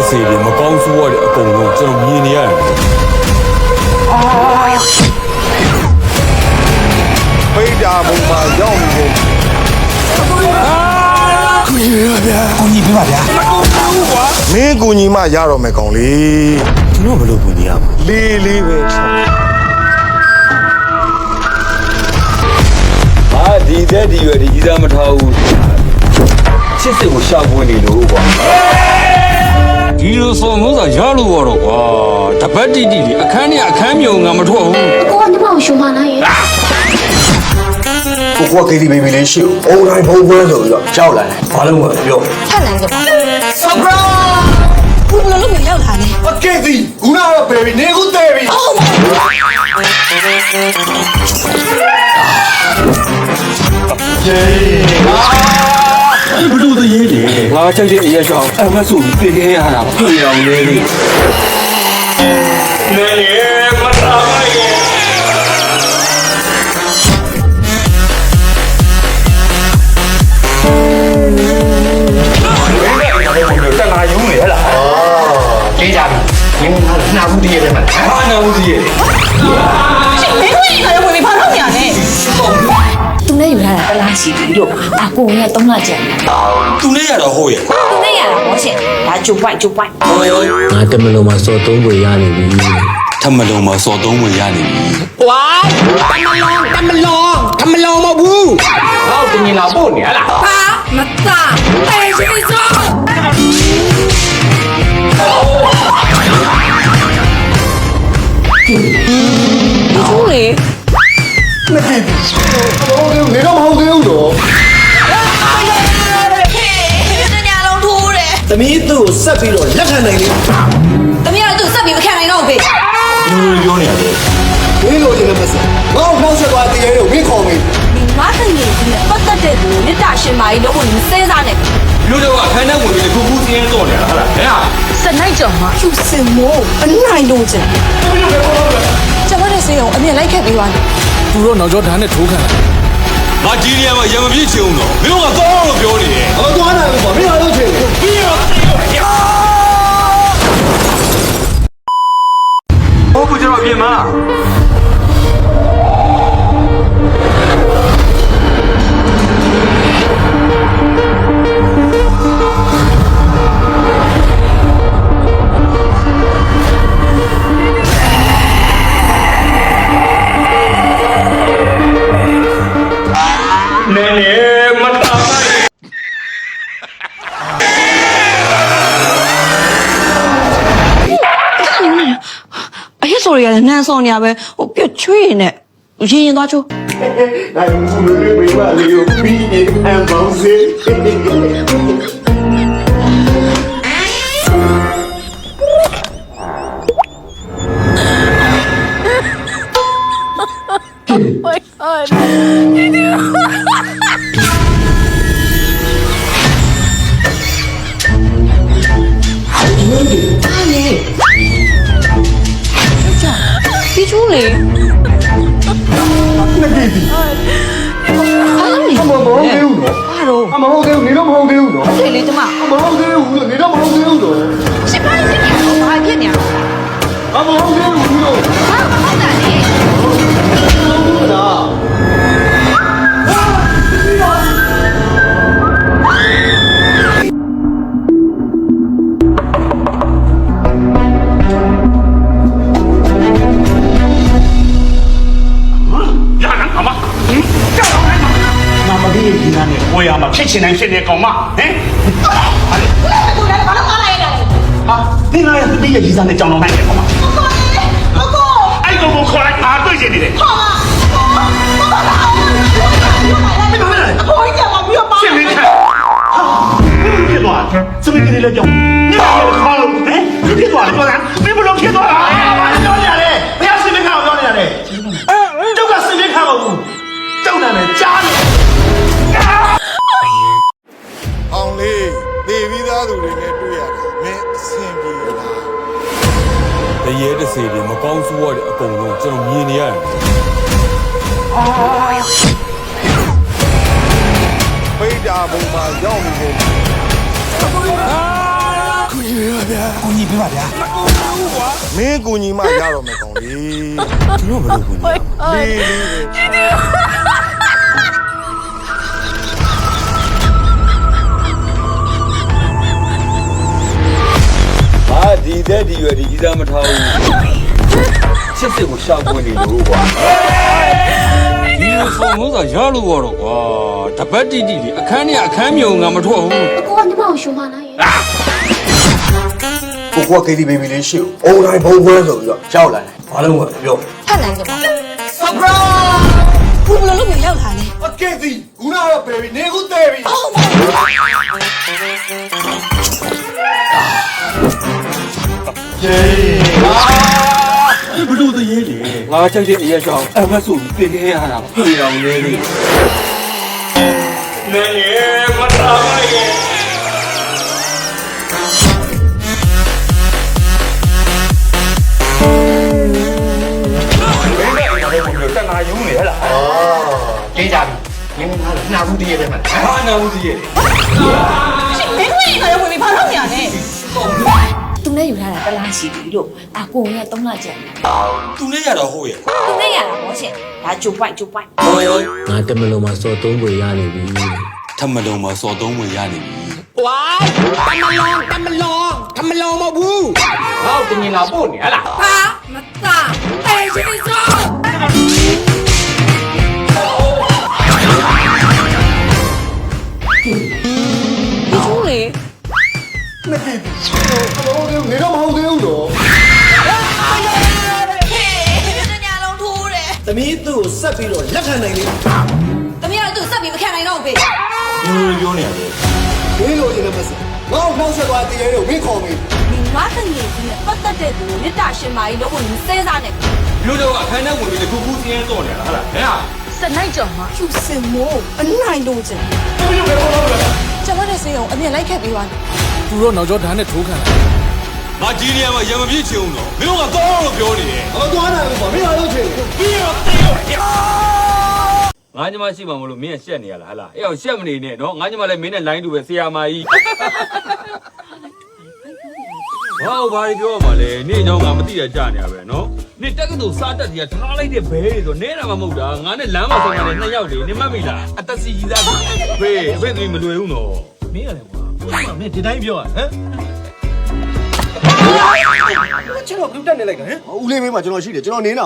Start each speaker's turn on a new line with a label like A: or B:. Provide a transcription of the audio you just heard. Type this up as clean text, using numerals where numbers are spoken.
A: စေတွေမကောင်းဆိုးရတဲ့အကုန်လုံးကျွန်တော်မြင်နေရတယ်
B: ဖိတ်တာပုံမှာရောက်နေတယ်
C: ကိုကြီးပြပါဗျာ
B: မင်းကူညီမရတော့မယ်ကောင်လေး
A: ကျွန်တော်ဘယ်လိုကူညီရမလဲ
B: လေးပဲ
A: ဒီတဲ့ဒီရွယ်ဒီကြီးစားမထားဘူးချစ်စစ်ကိုရှာဖွေနေလို့ကွာဒီလိုဆိုမျိုးသာရလို့ရတော့ကွာတပတ်တိတိအခန်းနဲ့အခန်းမြုံငါမထွက်ဘူး
D: အကိုကညီမကိုရှုံးပါလားရဲ့
C: ကိုကကေဒီဘေဘီလေးရှိဦးအုံတိုင်းဘုံပွဲဆိုပြီးတော့ကြောက်လာတယ်ဘာလို့မပြော
D: ထက်လန်းကြပါ
C: ဆပ်ရာ
D: ဘူးဘလို့လို့ရောက်လာတယ်
C: โอเคဒီခုနကတော့ဘေဘီနေခုသေးပြီယေဘလို့တည်းရေးတယ်
A: ငါချက်ချင်းအရက်ရှောင်းအမဆုပြေးခဲ့ရတာပြေးအောင်လေးလေးနေမတားရဲ့တနာယုံနေဟလား
C: ကြေးကြပြီမင်းနာဘူးတည်းရဲ့မှာ
A: ဟာနာဘူးကြီးရဲ့
D: မင်းဝင်ခါရဝင်ပြီးဘာလုပ်နေရလဲသူနဲ့ယူလာတာတလားရှိပြီလို့အကိုက3လကျန်
A: သူနဲ့ရတော့ဟုတ်ရဲ့
D: သူနဲ့ရတာဘောရှင်ဒါဂျိုပွိုက်
E: ငါတမလုံးမှာစော်သုံးပွေရနေပြီ
A: ထမလုံးမှာစော်သုံးဝင်ရနေပြီ
C: ဝိုင်းတမလုံးမဟုတ်ဘူးဟောတင်ရင်လာပို့နေဟလား
D: ဟာမသားတေးရှိစောဘူးလေ
C: မကြည့်ဘူးနေတော့မဟုတ်သေးဘူးတော့သမီးသူ့ကိုဆက်ပြီးတော့လက်ခံနိုင်လေ
D: သမီးကသူ့ဆက်ပြီးမခံနိုင်တော့ဘူး
C: ဖေပြောနေရတယ်မင်းလိုချင်တဲ့မစငါ့ကိုနှောက်ဆက်သွားတည်ရဲလို့မင်းခေါ်မေး
D: ငါတည်းကြီးပတ်သက်တဲ့သူမြတ်တာရှင်မာကြီးလို့ကိုစဉ်းစားနေ
A: လူတော့အခန်းထဲဝင်ပြီးကူစင်းတော့နေတာဟုတ်လားဟဲ့
D: စနိုင်ကြောင်မှာသူစင်မို့အနိုင်လို့ကျန်ကျွန်တော်ရဲ့စေးအောင်အမြင်လိုက်ခဲ့ပြီးသွားတယ်
A: သူတို့နောက်ကျောဓာတ်နဲ့ထိုးခံတယ်ငါဒီနေရာမှာရံမပြည့်ချင်အောင်တော့မင်းတို့ကတော့လို့ပြောနေတယ်
C: အမသွားနိုင်ဘူးပေါ့မင်းအားလုံးချင်တယ်
A: ပြီးတော့ဟုတ်ကဲ့ကျွန်တော်ပြင်မှာ
D: ဆိုရနန်းဆောင်နေရပဲဟိုပြွတ်ချွေးနေရင်သွားချိုး
C: နိုင်ဘူးလေမိမလေးကိုပြီးရင်အမ်ဘောင်းစေ
D: ပြီးချိုးလေ
C: နဂီတီအမမဟုတ်သေးဘူးနော်
D: ဘာလို့
C: အမဟုတ်သေးဘူးနေတော့မဟုတ်သေးဘူးနော်
D: လေလေကျမ
C: အမဟုတ်သေးဘူးနေတော့မဟုတ်သေးဘူးတော့
D: ရှင်းပါလိမ့်မယ်ဘာဖြစ်နေရလဲ
C: အမဟုတ်သေးဘူးလို့
D: ဘာဟုတ်တာလဲ
C: ဟုတ်တာ
F: 我要嘛，骗钱人现在搞嘛？哎，啊，你那是毕业以上的江龙饭店好吗？哎，哥哥过来啊，对些你的。好啊，你干嘛来？我一讲嘛，不要骂。现没看。别多，这边给你来讲，你好了，哎，你别多了，多难，你不能骗多了。哎呀，我教你嘞，不要随便看我教你嘞。就敢随便看我，就那么家里。
B: အောင်လေးနေပြီးသားသူတွေနဲ့တွေ့ရတယ်မင်းအဆင်ပြေလားတရေတစေတွေမကောင်းဆိုးရတဲ့အကုန်လုံးကျွန်တော်မြင်နေရတယ်ဖိတ်တာပုံမှာရောက်နေတယ်ကူညီပေးပါဗျာမင်းကူညီမှရတော့မယ်ကောင်လေးကျွန်တော်ဘယ်လိုကူညီလေး
A: ဟာဒီတဲ့ဒီရွယ်ဒီကြီးစားမထားဘူးချစ်စစ်ကိုရှာပွင့်နေလို့ကွာဒီလိုဆိုလို့သာရလို့ရတော့ကွာတပတ်တိတိအခန်းနဲ့အခန်းမြုံငါမထွက်ဘူး
D: အကိုကညီမကိုရှုံးမလားရေ
B: ကိုက KTV လေးရှိဦးအုံတိုင်းဘုံပွဲဆိုပြီးတော့ရောက်လာတယ်ဘာလို့မပြော
D: ထက်လန်းကြပါဘူးဘလို့လို့မရောက်လာလဲ
B: အကဲစီခုနကတော့ပဲပြီနေခုတဲပြီ
A: ဘလို့တရေလေငါကြိုက်တဲ့အရက်ကြောင့်အမဆိုပြီးပြင်ခဲ့ရတာပြေအောင်လေးလေးနေမတော်ပါရဲ့တနာယုံနေဟလား
C: တေးကြပြီငင်းငါနာဘူးတည်းရဲ့မှာ
A: ဘာနာဦးကြီးရဲ့
D: ရှင်မင်းဝင်ခါရဝင်ပြီးဘာလုပ်နေရလဲသူနဲ့ယူထားတာတစ်လားရှိပြီလို့အကိုက3လကျန်တယ်
A: သူနဲ့ရတော့ဟုတ်ရဲ့
D: သူနဲ့ရတာပေါ့ရှင်ဒါဂျိုပိုက်
E: ငါတမလုံးမှာစော်သုံးပွေရနေပြီ
A: ထမလုံးမှာစော်သုံးဝင်ရနေပြီ
C: ဝိုင်းတမလောင်မဟုတ်ဘူးဟောတင်ရင်လာပို့နေဟလား
D: ဟာမသားအဲရှင်စောကျူးလေ
B: နေတော့မဟုတ်သေးဘူးတော့
D: ဟေးညလုံးထိုးတယ်
B: သမီးသူ့ကိုဆက်ပြီးတော့လက်ခံနိုင်လေ
D: တမီးကတော့သူ့ဆက်ပြီးမခံနိုင်တော့ဘူးဖေ
A: ပြောနေရတယ်
B: မင်းလိုချင်တဲ့မစငါ့ကိုနှောက်ဆက်သွားတည်ရဲလို့မင်းခေါ်မေး
D: ဒီငါတငယ်ကြီးနဲ့ပတ်သက်တဲ့သူကိုမြစ်တာရှင်မာကြီးလို့ကိုစဲစားနေ
A: လူတော့အခန်းထဲဝင်ပြီးတခုခုစင်းရဲတော့နေတာဟုတ်လားဟဲ့ဟာ
D: စနိုင်ကြော်မှာကျူစင်မိုးအနိုင်လို့ကျင်ကျွန်မနဲ့စေအောင်အမြင်လိုက်ခဲ့ပြီးသွားတယ်
B: သူတို့နောက်ကျောဓာတ်နဲ့ထိုးခံလာ
A: ငါကြီးနေရမှာရံမပြည့်ချင်အောင်တော့မင်းတို့ကတော့လို့ပြောနေတယ်
B: အသွားနိုင်လို့ပေါ့မင်းအားလုံးချင်
A: ပြီးတော့တေးရောငါညီမရှိမှမလို့မင်းကရှက်နေရလားဟလားအဲ့အောင်ရှက်မနေနဲ့နော်ငါညီမလည်းမင်းနဲ့လိုင်းတူပဲဆရာမကြီးဟောဘာပြောရမှာလဲနေ့เจ้าငါမသိရကြနေရပဲနော်နေ့တက်ကတူစားတက်ကြီးထားလိုက်တဲ့ဘဲတွေဆိုနဲတာမှမဟုတ်တာငါနဲ့လမ်းမှာဆောင်ရတယ်2ယောက်လေနေမှတ်မိလားအသက်စီကြီးသားဖေးဖေးသူမလွယ်ဘူးနော်
F: မင်းရတယ်ကွာမင်းဒီတိုင်းပြောဟမ်
B: ကျွန်တော်ဘလူးတက်နေလိုက်တာဟမ်ဦးလေးမေးမှာကျွန်တော်ရှိတယ်ကျွန်တော်နေ